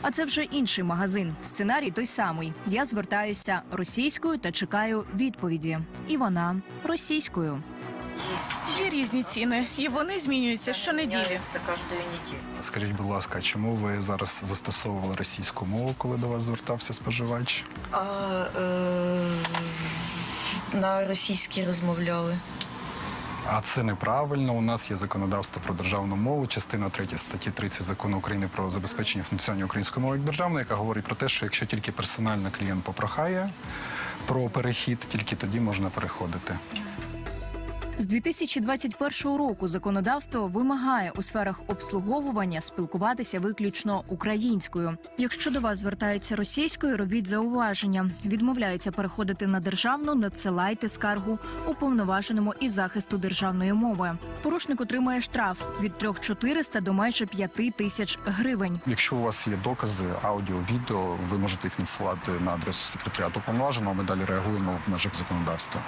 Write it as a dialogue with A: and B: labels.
A: А це вже інший магазин. Сценарій той самий. Я звертаюся російською та чекаю відповіді. І вона російською.
B: Є різні ціни, і вони змінюються щонеділі.
C: Скажіть, будь ласка, чому ви зараз застосовували російську мову, коли до вас звертався споживач?
D: На російській розмовляли.
C: А це неправильно. У нас є законодавство про державну мову, частина 3 статті 30 Закону України про забезпечення функціонування української мови як державної, яка говорить про те, що якщо тільки персонально клієнт попрохає про перехід, тільки тоді можна переходити.
A: З 2021 року законодавство вимагає у сферах обслуговування спілкуватися виключно українською. Якщо до вас звертаються російською, робіть зауваження. Відмовляються переходити на державну, надсилайте скаргу уповноваженому із захисту державної мови. Порушник отримає штраф від 3400 до майже 5000 гривень.
C: Якщо у вас є докази, аудіо, відео, ви можете їх надсилати на адресу секретаріату уповноваженого, ми далі реагуємо в межах законодавства.